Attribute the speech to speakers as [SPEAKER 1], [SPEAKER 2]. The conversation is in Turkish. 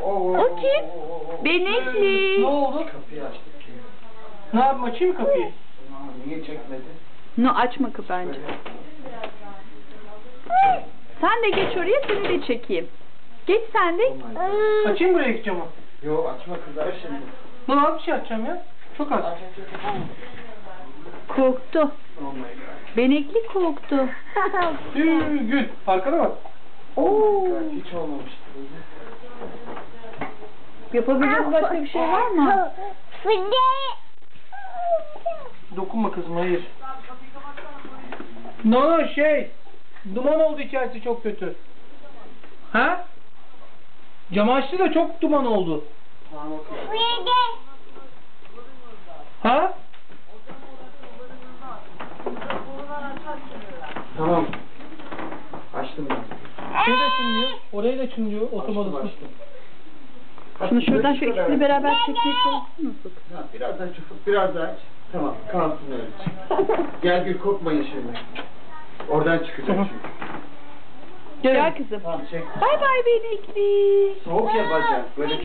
[SPEAKER 1] O kim? Benekli.
[SPEAKER 2] Ne oldu?
[SPEAKER 3] Kapıyı açtık ki.
[SPEAKER 2] Ne yapayım, açayım mı kapıyı?
[SPEAKER 3] Niye çekmedi?
[SPEAKER 1] No, açma kapı bence. Sen de geç oraya, seni de çekeyim. Geç sen de.
[SPEAKER 2] Açayım buraya camı.
[SPEAKER 3] Yo açma kızlar şimdi.
[SPEAKER 2] Ne az bir şey açacağım ya. Çok az.
[SPEAKER 1] Korktu.
[SPEAKER 3] Oh my god.
[SPEAKER 1] Benekli korktu.
[SPEAKER 2] Gül. Arkana bak.
[SPEAKER 1] Oo.
[SPEAKER 3] Hiç olmamıştı böyle.
[SPEAKER 1] Yapabileceğiniz başka bir şey var mı?
[SPEAKER 2] Dokunma kızım, hayır. No, duman oldu içerisi, çok kötü. Ha? Camı açtı da çok duman oldu.
[SPEAKER 3] Tamam okey.
[SPEAKER 2] Ha?
[SPEAKER 3] Tamam. Açtım ben.
[SPEAKER 2] Şey de çınlıyor, orayı da çınlıyor, otomatik.
[SPEAKER 3] Açtım.
[SPEAKER 1] Şunu şuradan şu ikisini beraber çekmeye çalışsın nasıl?
[SPEAKER 3] Ha, biraz daha çabuk, biraz daha aç. Tamam, kalsın öyle. Gel Gül, korkmayın şimdi. Oradan çıkacak çünkü.
[SPEAKER 1] Gel kızım.
[SPEAKER 3] Tamam, çek.
[SPEAKER 1] Bay bay Benekli.
[SPEAKER 3] Soğuk ya bacak, böyle